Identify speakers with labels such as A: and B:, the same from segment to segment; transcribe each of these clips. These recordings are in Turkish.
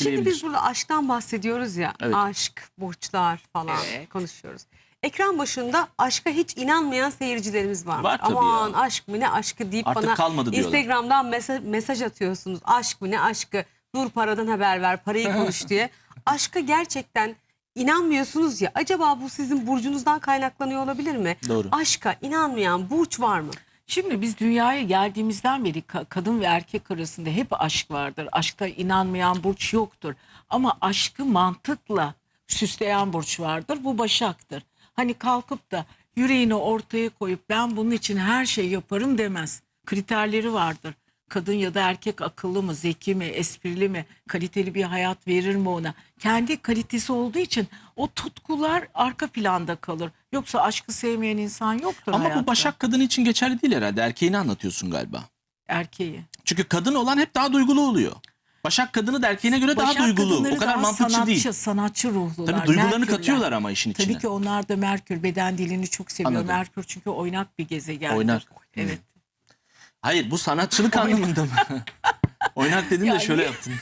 A: etkileyebilir.
B: Şimdi biz burada aşktan bahsediyoruz ya.
A: Evet.
B: Aşk, burçlar falan
C: Evet.
B: konuşuyoruz. Ekran başında aşka hiç inanmayan seyircilerimiz var.
A: Var tabii
B: Aman
A: ya.
B: aşk mı ne aşkı deyip
A: Artık
B: bana
A: kalmadı diyorlar.
B: Instagram'dan mesaj atıyorsunuz. Aşk mı ne aşkı, dur paradan haber ver, parayı konuş diye. Aşka gerçekten inanmıyorsunuz ya. Acaba bu sizin burcunuzdan kaynaklanıyor olabilir mi?
A: Doğru.
B: Aşka inanmayan burç var mı?
C: Şimdi biz dünyaya geldiğimizden beri kadın ve erkek arasında hep aşk vardır. Aşkta inanmayan burç yoktur. Ama aşkı mantıkla süsleyen burç vardır. Bu Başak'tır. Hani kalkıp da yüreğini ortaya koyup ben bunun için her şey yaparım demez. Kriterleri vardır. Kadın ya da erkek akıllı mı, zeki mi, esprili mi, kaliteli bir hayat verir mi ona? Kendi kalitesi olduğu için o tutkular arka planda kalır. Yoksa aşkı sevmeyen insan yoktur
A: Ama
C: hayatta.
A: bu Başak kadını için geçerli değil herhalde. Erkeğini anlatıyorsun galiba.
C: Erkeği.
A: Çünkü kadın olan hep daha duygulu oluyor. Başak kadını da erkeğine göre daha
C: Başak
A: duygulu.
C: kadınları
A: O kadar
C: daha
A: mantıkçı değil.
C: sanatçı ruhlular.
A: Tabii duygularını
C: Merkürler.
A: katıyorlar ama işin içine.
C: Tabii ki onlar da Merkür beden dilini çok seviyor.
A: Anladım.
C: Merkür çünkü oynak bir gezegendir.
A: Oynak.
C: Evet.
A: Hayır, bu sanatçılık anlamında mı? Oynak dedin de
C: Yani-
A: şöyle yaptın.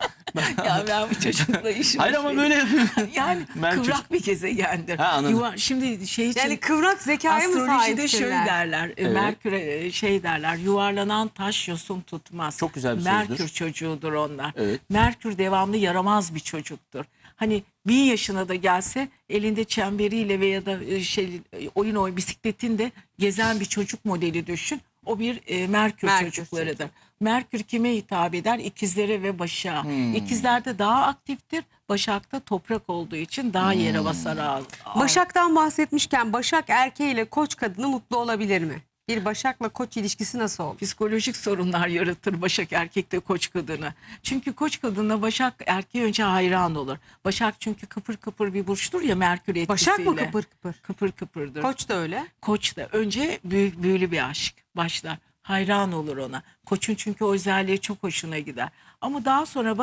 C: Ya ben bu çocukla işim.
A: Hayır ama böyle yapıyor.
C: Yani
A: Merkür.
C: kıvrak bir gezegendir.
A: Ha, anladım.
C: Şimdi şey için
B: Yani kıvrak zekaya mı
C: astrolojide şöyle
B: sahiptirler?
C: derler.
A: Evet.
C: Merkür'e şey derler. Yuvarlanan taş yosun tutmaz.
A: Çok güzel bir
C: Merkür
A: sözdür.
C: çocuğudur onlar.
A: Evet.
C: Merkür devamlı yaramaz bir çocuktur. Hani 1000 yaşına da gelse elinde çemberiyle veya da oyun bisikletinde gezen bir çocuk modeli düşün. O bir Merkür çocuklarıdır. Merkür kime hitap eder? İkizlere ve Başak'a. İkizlerde daha aktiftir. Başak'ta toprak olduğu için daha yere basar ağır.
B: Başak'tan bahsetmişken Başak erkeğiyle Koç kadını mutlu olabilir mi? Bir Başak'la Koç ilişkisi nasıl olur?
C: Psikolojik sorunlar yaratır Başak erkekte Koç kadını. Çünkü Koç kadına Başak erkeği önce hayran olur. Başak çünkü kıpır kıpır bir burçtur ya Merkür etkisiyle.
B: Başak mı kıpır kıpır?
C: Kıpır kıpırdır.
B: Koç da öyle.
C: Koç da önce büyülü bir aşk başlar. Hayran olur ona. Koçun çünkü o özelliği çok hoşuna gider. Ama daha sonra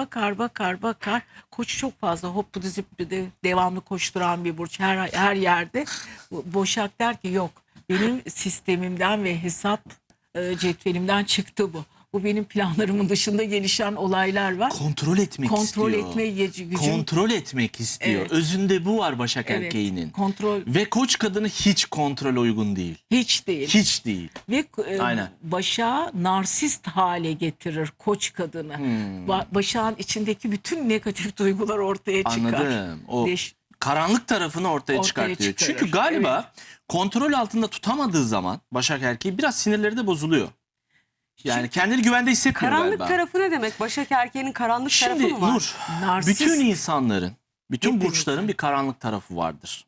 C: bakar. Koç çok fazla hoppu zıppıdı devamlı koşturan bir burç her yerde. Başak der ki yok benim sistemimden ve hesap cetvelimden çıktı bu. Bu benim planlarımın dışında gelişen olaylar var.
A: Kontrol etmek
C: Kontrol
A: istiyor.
C: etme gücüm.
A: Kontrol etmek istiyor.
C: Evet.
A: Özünde bu var Başak
C: Evet,
A: erkeğinin.
C: kontrol
A: Ve Koç kadını hiç kontrol uygun değil.
C: hiç değil.
A: Hiç değil.
C: Ve
A: Aynen.
C: Başak'ı narsist hale getirir Koç kadını. Başak'ın içindeki bütün negatif duygular ortaya çıkar.
A: Anladım. O
C: Deş-
A: karanlık tarafını ortaya
C: Ortaya
A: çıkartıyor.
C: çıkarır.
A: Çünkü galiba kontrol altında tutamadığı zaman Başak erkeği biraz sinirleri de bozuluyor. Yani kendini güvende hissetmiyor
B: Karanlık
A: galiba.
B: tarafı ne demek? Başak erkeğinin karanlık tarafı
A: Şimdi
B: mı var?
A: Nur,
C: Narsist.
A: bütün insanların, bütün
C: Hepimizin.
A: burçların bir karanlık tarafı vardır.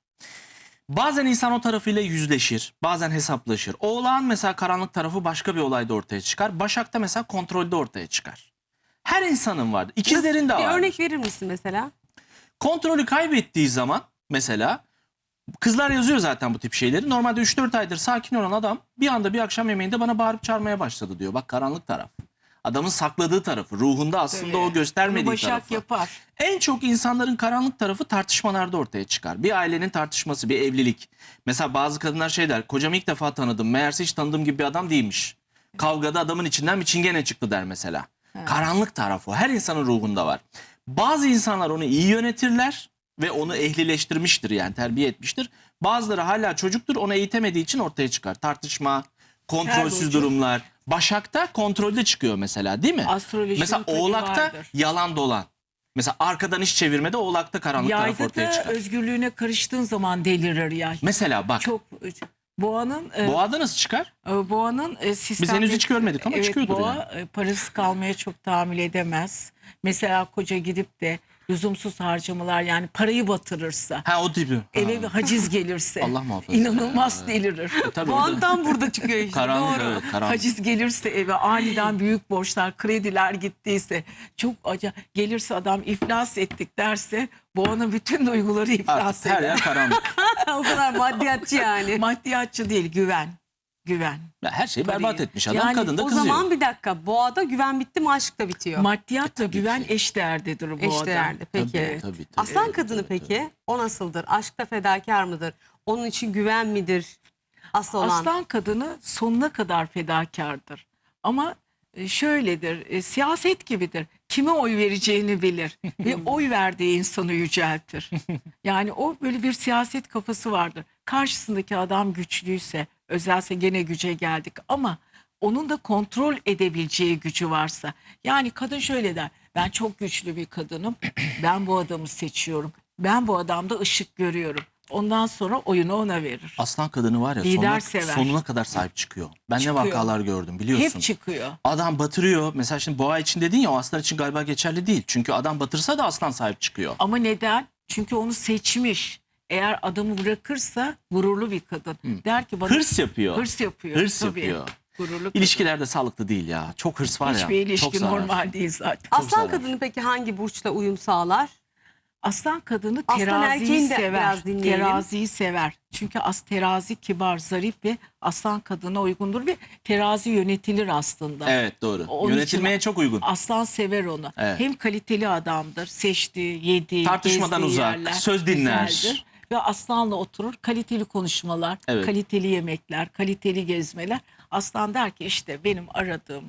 A: Bazen insan o tarafıyla yüzleşir, bazen hesaplaşır. Oğlağın mesela karanlık tarafı başka bir olayda ortaya çıkar. Başak'ta mesela kontrolde ortaya çıkar. Her insanın vardır. İkizlerin de
B: Bir
A: var.
B: örnek verir misin mesela?
A: Kontrolü kaybettiği zaman mesela kızlar yazıyor zaten bu tip şeyleri. Normalde 3-4 aydır sakin olan adam bir anda bir akşam yemeğinde bana bağırıp çağırmaya başladı diyor. Bak karanlık taraf. Adamın sakladığı tarafı, ruhunda aslında o göstermediği
C: Bunu Başak
A: tarafı.
C: yapar.
A: En çok insanların karanlık tarafı tartışmalarda ortaya çıkar. Bir ailenin tartışması, bir evlilik. Mesela bazı kadınlar şey der, kocamı ilk defa tanıdım, meğerse hiç tanıdığım gibi bir adam değilmiş. Kavgada adamın içinden bir çingene çıktı der mesela. Karanlık tarafı her insanın ruhunda var. Bazı insanlar onu iyi yönetirler ve onu ehlileştirmiştir yani terbiye etmiştir. Bazıları hala çocuktur, onu eğitemediği için ortaya çıkar. Tartışma, kontrolsüz
C: burcu.
A: durumlar. Başak'ta kontrolde çıkıyor mesela değil mi?
C: Astrolojinin
A: Mesela
C: tabii
A: Oğlak'ta
C: vardır.
A: yalan dolan. Mesela arkadan iş çevirmede Oğlak'ta karanlık taraf
C: Yayda
A: ortaya
C: da
A: çıkar.
C: özgürlüğüne karıştığın zaman delirir ya.
A: Mesela bak
C: Çok Boğa'nın
A: Boğa'da nasıl çıkar?
C: Boğa'nın sistemde...
A: henüz hiç görmedik ama çıkıyordur
C: Boğa
A: yani.
C: parasız kalmaya çok tahammül edemez. Mesela koca gidip de lüzumsuz harcamalar yani parayı batırırsa,
A: Ha o tipi.
C: eve bir
A: Ha.
C: haciz gelirse
A: Allah muhafaza.
C: inanılmaz delirir.
A: Tabii
B: Bu
A: orada
B: andan burada çıkıyor işte.
A: karanlık,
B: Doğru.
A: evet, karanlık.
C: Haciz gelirse eve aniden büyük borçlar, krediler gittiyse çok acayip gelirse adam iflas ettik derse Boğa'nın bütün duyguları iflas
A: Artık her
C: eder.
A: yer karanlık.
B: O kadar maddiyatçı yani.
C: Maddiyatçı değil güven. Güven.
A: Ya her şeyi
C: Parayı.
A: berbat etmiş adam,
C: Yani
A: kadın da
B: O
A: kızıyor.
B: zaman bir dakika. Boğada güven bitti mi aşk da bitiyor.
C: Maddiyatla
A: tabii
C: güven
A: ki.
C: eşdeğerdedir Boğa'da.
B: Eşdeğerde peki.
A: Tabii.
B: Aslan kadını peki o nasıldır? Aşkta fedakar mıdır? Onun için güven midir? Asıl olan.
C: Aslan kadını sonuna kadar fedakardır. Ama şöyledir, siyaset gibidir. kime oy vereceğini bilir ve oy verdiği insanı yüceltir. Yani o böyle bir siyaset kafası vardır. Karşısındaki adam güçlüyse, özelse gene güce geldik ama onun da kontrol edebileceği gücü varsa. Yani kadın şöyle der: ben çok güçlü bir kadınım, ben bu adamı seçiyorum, ben bu adamda ışık görüyorum. Ondan sonra oyunu ona verir.
A: Aslan kadını var ya
C: Lider sever.
A: sonuna kadar sahip çıkıyor. Ben
C: Çıkıyor.
A: ne vakalar gördüm biliyorsun.
C: Hep çıkıyor.
A: Adam batırıyor. Mesela şimdi boğa için dedin ya, o aslan için galiba geçerli değil. Çünkü adam batırsa da aslan sahip çıkıyor.
C: Ama neden? Çünkü onu seçmiş. Eğer adamı bırakırsa gururlu bir kadın. Der ki bana
A: Hırs yapıyor.
C: hırs yapıyor.
A: Hırs
C: Tabii.
A: yapıyor.
C: Gururlu kadın.
A: İlişkilerde sağlıklı değil ya. Çok hırs var ya.
C: Hiçbir ilişki
A: çok zarar.
C: normal değil zaten.
B: Aslan
A: zarar.
B: kadını peki hangi burçla uyum sağlar?
C: Aslan kadını
B: Aslan
C: teraziyi
B: erkeğini de
C: sever.
B: biraz dinleyelim.
C: Teraziyi sever. Çünkü terazi kibar, zarif ve aslan kadına uygundur ve terazi yönetilir aslında.
A: Evet, doğru.
C: Onun
A: Yönetilmeye
C: için
A: çok uygun.
C: Aslan sever onu.
A: Evet.
C: Hem kaliteli adamdır. Seçtiği, yediği,
A: Tartışmadan
C: gezdiği
A: uzak,
C: yerler
A: söz dinler.
C: güzeldir. Ve aslanla oturur. Kaliteli konuşmalar,
A: Evet.
C: kaliteli yemekler, kaliteli gezmeler. Aslan der ki işte benim aradığım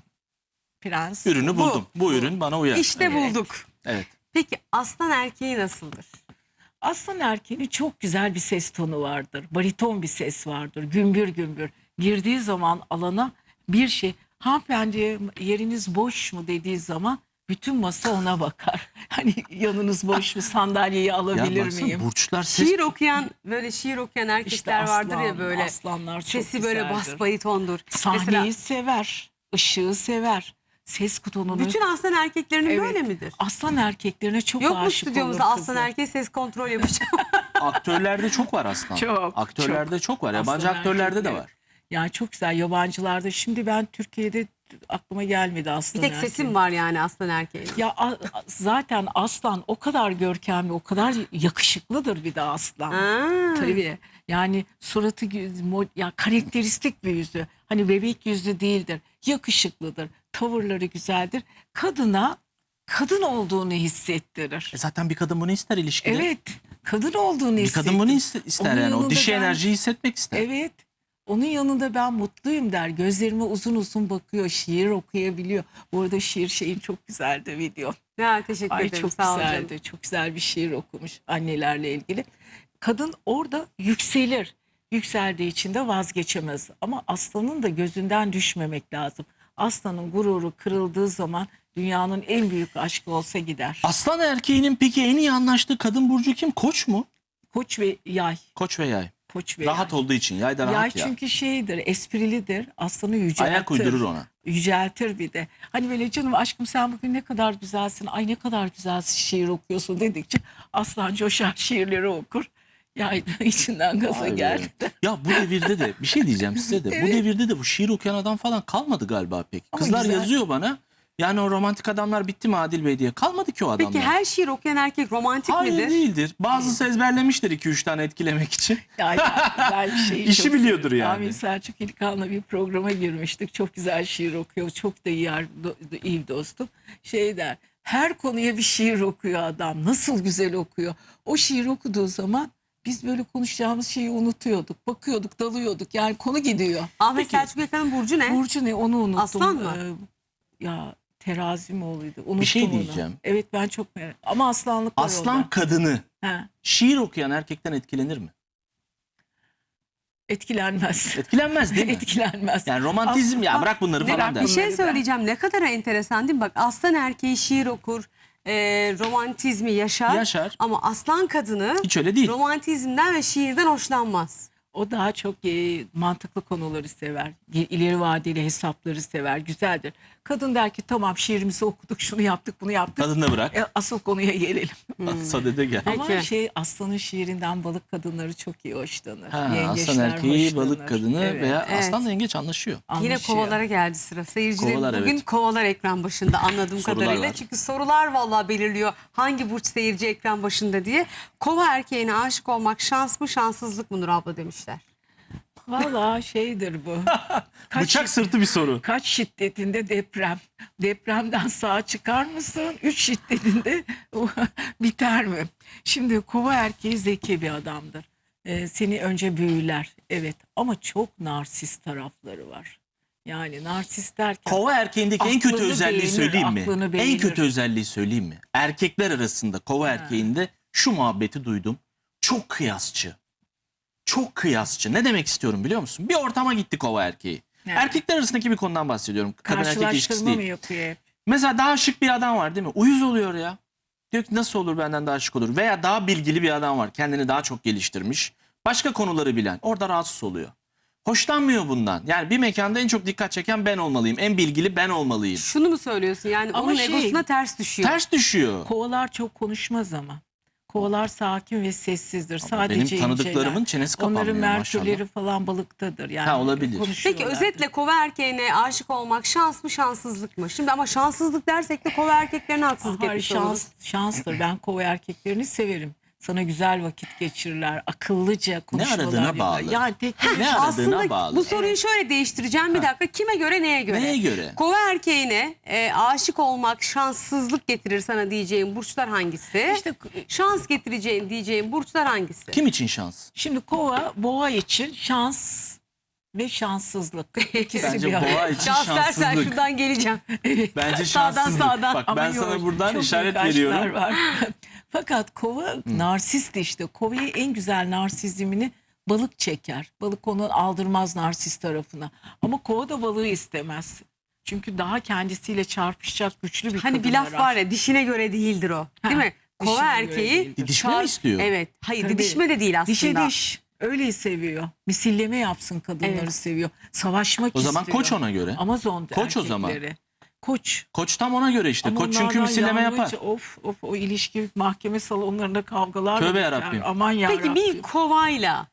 C: prens
A: Ürünü buldum. Bu ürün bana uyar.
B: İşte
C: Evet.
B: bulduk.
A: Evet.
B: Peki aslan erkeği nasıldır?
C: Aslan erkeğinin çok güzel bir ses tonu vardır. Bariton bir ses vardır. Gümbür gümbür. Girdiği zaman alana bir şey, hanımefendi yeriniz boş mu dediği zaman bütün masa ona bakar. Hani yanınız boş mu, sandalyeyi
A: Ya
C: alabilir
A: baksana,
C: miyim?
A: burçlar ses...
B: Şiir okuyan böyle şiir okuyan erkekler vardır ya böyle.
C: Aslanlar çok
B: Sesi böyle
C: güzeldir.
B: bas baritondur.
C: Sahneyi
B: Mesela
C: sever, ışığı sever, ses tonunu.
B: bütün aslan erkeklerinin
C: Evet.
B: böyle midir?
C: Aslan erkeklerine çok
B: Yok mu
C: aşık
B: stüdyomuzda
C: olur
B: aslan
C: kızlar.
B: erkeği ses kontrol yapacağım?
A: Aktörlerde çok var aslan.
C: Çok,
A: Aktörlerde çok var. Yabancı
C: Aslan
A: aktörlerde de
C: erkekleri.
A: var.
C: Yani çok güzel yabancılarda. Şimdi ben Türkiye'de aklıma gelmedi
B: Bir
C: aslan
B: tek
C: erkeği.
B: sesim var yani aslan erkeğinin.
C: Ya zaten aslan o kadar görkemli, o kadar yakışıklıdır bir de aslan.
B: Ha.
C: Tabii. Yani suratı ya karakteristik bir yüzü. Hani bebek yüzlü değildir. Yakışıklıdır. Tavırları güzeldir. Kadına kadın olduğunu hissettirir.
A: Zaten bir kadın bunu ister ilişkide.
C: Evet. Kadın olduğunu
A: Bir
C: hissettirir.
A: kadın bunu ister
C: Onun
A: yani. O
C: yanında
A: dişi
C: ben-
A: enerjiyi hissetmek ister.
C: Evet. Onun yanında ben mutluyum der. Gözlerime uzun uzun bakıyor. Şiir okuyabiliyor. Bu arada şiir şeyin çok güzeldi video.
B: Ya teşekkür
C: Ay
B: ederim.
C: çok
B: Sağ olun canım.
C: güzeldi. Çok güzel bir şiir okumuş annelerle ilgili. Kadın orada yükselir. Yükseldiği için de vazgeçemez. Ama aslanın da gözünden düşmemek lazım. Aslanın gururu kırıldığı zaman dünyanın en büyük aşkı olsa gider.
A: Aslan erkeğinin peki en iyi anlaştığı kadın burcu kim? Koç mu?
C: Koç ve yay.
A: Koç ve yay.
C: Koç ve
A: Rahat
C: yay.
A: olduğu için. Yay da
C: Yay
A: rahat ya.
C: çünkü şeydir, esprilidir. Aslanı yüceltir.
A: Ayak uydurur ona.
C: Yüceltir bir de. Hani böyle canım aşkım sen bugün ne kadar güzelsin. Ay ne kadar güzel şiir okuyorsun dedikçe aslan coşar şiirleri okur. Yay da içinden gaza
A: Vay be.
C: geldi.
A: Ya bu devirde de bir şey diyeceğim size de. Bu
C: Evet.
A: devirde de bu şiir okuyan adam falan kalmadı galiba pek.
C: Ama
A: Kızlar
C: güzel.
A: yazıyor bana. Yani o romantik adamlar bitti mi Adil Bey diye. Kalmadı ki o adamlar.
B: Peki her şiir okuyan erkek romantik
A: Hayır
B: midir?
A: değildir. Bazısı ezberlemiştir 2-3 tane etkilemek için.
C: Yani güzel bir şey.
A: İşi
C: çok
A: biliyordur
C: severim.
A: yani.
C: Amin Selçuk İlkan'la bir programa girmiştik. Çok güzel şiir okuyor. Çok da iyi dostum. Şey der. Her konuya bir şiir okuyor adam. Nasıl güzel okuyor. O şiir okuduğu zaman biz böyle konuşacağımız şeyi unutuyorduk. Bakıyorduk, dalıyorduk. Yani konu gidiyor.
B: Ahmet
C: Peki,
B: Selçuk Yakan'ın burcu ne?
C: Burcu ne onu unuttum.
B: Aslan mı?
C: Ya terazi mi oğluydu? Unuttum
A: şey
C: onu.
A: diyeceğim.
C: Evet ben çok merak. Ama aslanlık var
A: Aslan
C: orada.
A: kadını
C: Ha,
A: şiir okuyan erkekten etkilenir mi?
C: etkilenmez.
A: Etkilenmez değil mi?
C: Etkilenmez.
A: Yani romantizm ya
C: Aslan-
A: bırak bunları falan
C: Merak
A: der.
B: Bir şey
C: Bunları
B: söyleyeceğim. Ne kadar enteresan değil mi? Bak aslan erkeği şiir okur, romantizmi yaşar.
A: Yaşar.
B: Ama aslan kadını
A: Hiç öyle değil.
B: romantizmden ve şiirden hoşlanmaz.
C: O daha çok mantıklı konuları sever. İleri vadeli hesapları sever. Güzeldir. Kadın der ki tamam şiirimizi okuduk, şunu yaptık, bunu yaptık.
A: Kadın da bırak.
C: Asıl konuya gelelim.
A: Sadede gel.
C: Ama
B: Peki.
C: aslanın şiirinden balık kadınları çok iyi hoşlanır.
A: Ha, aslan
C: Yengeçler
A: erkeği,
C: hoşlanır.
A: balık kadını
C: Evet,
A: veya
B: Evet.
A: aslanla yengeç anlaşıyor.
B: Yine
C: anlaşıyor.
B: kovalara geldi sıra. Seyircilerim
A: Kovalar,
B: bugün
A: evet.
B: kovalar ekran başında anladığım
A: Sorular
B: kadarıyla.
A: var.
B: Çünkü sorular vallahi belirliyor hangi burç seyirci ekran başında diye. Kova erkeğine aşık olmak şans mı şanssızlık mı Nur abla demişler.
C: Valla şeydir bu.
A: Bıçak sırtı bir soru.
C: Kaç şiddetinde deprem? Depremden sağ çıkar mısın? 3 şiddetinde biter mi? Şimdi kova erkeği zeki bir adamdır. Seni önce büyüler. Evet ama çok narsist tarafları var. Yani narsist derken
A: Kova erkeğindeki en kötü
C: Aklını
A: özelliği
C: beğenir,
A: söyleyeyim mi?
C: aklını
A: En
C: beğenir.
A: kötü özelliği söyleyeyim mi? Erkekler arasında kova erkeğinde şu muhabbeti duydum. Çok kıyasçı. Çok kıyasçı. Ne demek istiyorum biliyor musun? Bir ortama gitti kova erkeği.
C: Evet.
A: Erkekler arasındaki bir konudan bahsediyorum. Kadın erkek ilişkisi
C: karşılaştırma
A: değil.
C: mı yapıyor hep?
A: Mesela daha şık bir adam var değil mi? Uyuz oluyor ya. Diyor ki nasıl olur benden daha şık olur? Veya daha bilgili bir adam var. Kendini daha çok geliştirmiş. Başka konuları bilen. Orada rahatsız oluyor. Hoşlanmıyor bundan. Yani bir mekanda en çok dikkat çeken ben olmalıyım. En bilgili ben olmalıyım.
B: Şunu mu söylüyorsun? Yani
C: Ama
B: onun
C: şey-
B: egosuna ters düşüyor.
A: Ters düşüyor.
C: Kovalar çok konuşmaz ama. Kovalar sakin ve sessizdir. Sadece
A: Benim tanıdıklarımın
C: inceler.
A: çenesi
C: Onların
A: kapanmıyor maşallah.
C: merkürleri falan balıktadır. Yani
A: Ha, olabilir.
B: Peki
C: konuşuyorlardır.
B: özetle kova erkeğine aşık olmak şans mı şanssızlık mı? Şimdi ama şanssızlık dersek de kova erkeklerine haksızlık
C: Hayır,
B: etmiş oluruz.
C: şanstır. Ben kova erkeklerini severim. Sana güzel vakit geçirirler. Akıllıca konuşmalar
A: aradığına
C: yaparlar.
A: bağlı.
C: Yani tek
A: Ne aradığına
B: Aslında
A: bağlı.
B: bu soruyu şöyle değiştireceğim bir dakika. Kime göre neye göre?
A: Neye göre?
B: Kova erkeğine aşık olmak şanssızlık getirir sana diyeceğim burçlar hangisi?
C: İşte
B: Şans getireceğin diyeceğim burçlar hangisi?
A: Kim için şans?
C: şimdi kova, boğa için şans ve şanssızlık. İkisi
A: Bence
C: bir arada.
A: boğa için
B: Şans dersen
A: şanssızlık.
B: şuradan geleceğim.
A: Bence
B: Sağdan,
A: şanssızlık.
B: sağdan.
A: Bak
C: Ama
A: ben sana
C: yok,
A: buradan
C: çok
A: işaret
C: büyük aşklar
A: veriyorum.
C: var. Fakat kova narsist işte. Kova'yı en güzel narsizmini balık çeker. Balık onu aldırmaz narsist tarafına. Ama kova da balığı istemez. Çünkü daha kendisiyle çarpışacak güçlü bir
B: Hani
C: kadın
B: bir laf
C: arar.
B: var ya dişine göre değildir o. Değil
C: Ha,
B: mi? Kova
C: dişine göre
B: erkeği
C: değildir.
A: Didişme mi istiyor?
B: Evet. Hayır
C: Tabii.
B: didişme de değil aslında.
C: Dişe diş. Öyle seviyor. Misilleme yapsın kadınları
B: Evet.
C: seviyor. Savaşmak
A: O zaman
C: istiyor.
A: koç ona göre.
C: Amazon
A: Koç o zaman.
C: erkekleri. Koç.
A: Koç tam ona göre işte.
C: Ama
A: Koç çünkü
C: onlardan
A: misilleme
C: yalnızca,
A: yapar.
C: Of o ilişki mahkeme salonlarında kavgalar.
A: Tövbe
C: biter.
A: yarabbim.
C: Aman yarabbim.
B: Peki bir kovayla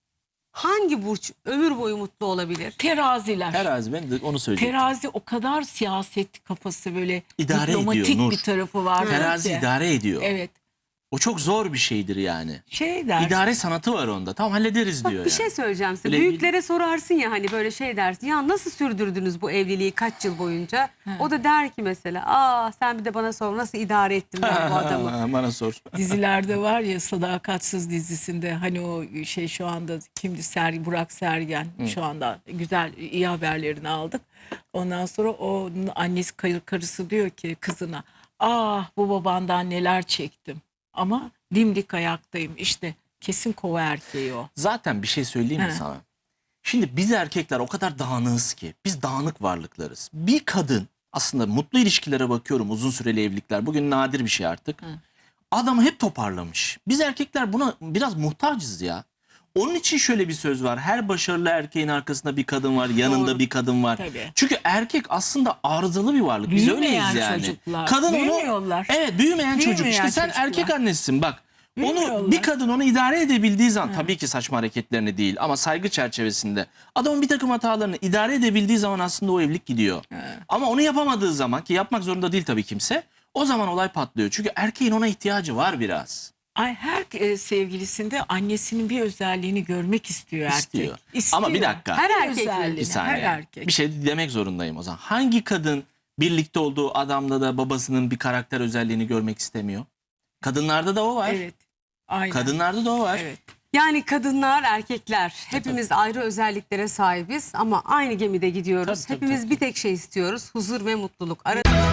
B: hangi burç ömür boyu mutlu olabilir?
C: Teraziler.
A: Terazi ben de onu söyleyeceğim.
C: Terazi o kadar siyaset kafası böyle
A: İdare
C: diplomatik
A: ediyor, Nur.
C: bir tarafı var.
A: Terazi
C: ki.
A: idare ediyor.
C: Evet.
A: O çok zor bir şeydir yani.
C: Şey der.
A: İdare sanatı var onda. Tamam hallederiz
B: Bak
A: diyor
B: bir
A: yani.
B: şey söyleyeceğim size.
A: Öyle
B: Büyüklere sorarsın ya hani böyle şey dersin. Ya nasıl sürdürdünüz bu evliliği kaç yıl boyunca? O da der ki mesela sen bir de bana sor nasıl idare ettim ben bu adamı.
A: Bana sor.
C: Dizilerde var ya Sadakatsız dizisinde hani o şey şu anda kimdi Burak Sergen şu anda güzel iyi haberlerini aldık. Ondan sonra o annesi karısı diyor ki kızına bu babandan neler çektim ama dimdik ayaktayım işte kesin kova erkeği o.
A: Zaten bir şey söyleyeyim mi
C: He.
A: sana? Şimdi biz erkekler o kadar dağınığız ki. Biz dağınık varlıklarız. Bir kadın aslında mutlu ilişkilere bakıyorum, uzun süreli evlilikler. Bugün nadir bir şey artık. Adamı hep toparlamış. Biz erkekler buna biraz muhtacız ya. Onun için şöyle bir söz var. Her başarılı erkeğin arkasında bir kadın var, yanında
B: Doğru.
A: bir kadın var.
C: Tabii.
A: Çünkü erkek aslında arızalı bir varlık. Biz
C: Büyümeyen
A: öyleyiz yani.
C: çocuklar.
A: Kadın
C: Büyümüyorlar.
A: onu Evet, büyümeyen çocuk.
C: Büyümeyen
A: İşte sen
C: çocuklar.
A: erkek annesisin bak. Onu
C: Büyümüyorlar.
A: bir kadın onu idare edebildiği zaman tabii ki saçma hareketlerini değil ama saygı çerçevesinde adamın bir takım hatalarını idare edebildiği zaman aslında o evlilik gidiyor. Ama onu yapamadığı zaman ki yapmak zorunda değil tabii kimse, o zaman olay patlıyor. Çünkü erkeğin ona ihtiyacı var biraz.
C: Her sevgilisinde annesinin bir özelliğini görmek istiyor erkek.
A: İstiyor.
C: İstiyor.
A: Ama bir dakika.
B: Her erkek
C: özelliğini,
A: Bir saniye.
C: Her erkek.
A: Bir şey demek zorundayım o zaman. Hangi kadın birlikte olduğu adamda da babasının bir karakter özelliğini görmek istemiyor? Kadınlarda da o var.
C: Evet. Aynen.
A: Kadınlarda da o var.
C: Evet.
B: Yani kadınlar, erkekler hepimiz ayrı özelliklere sahibiz ama aynı gemide gidiyoruz.
A: Tabii, tabii,
B: Hepimiz
A: tabii.
B: bir tek şey istiyoruz. Huzur ve mutluluk.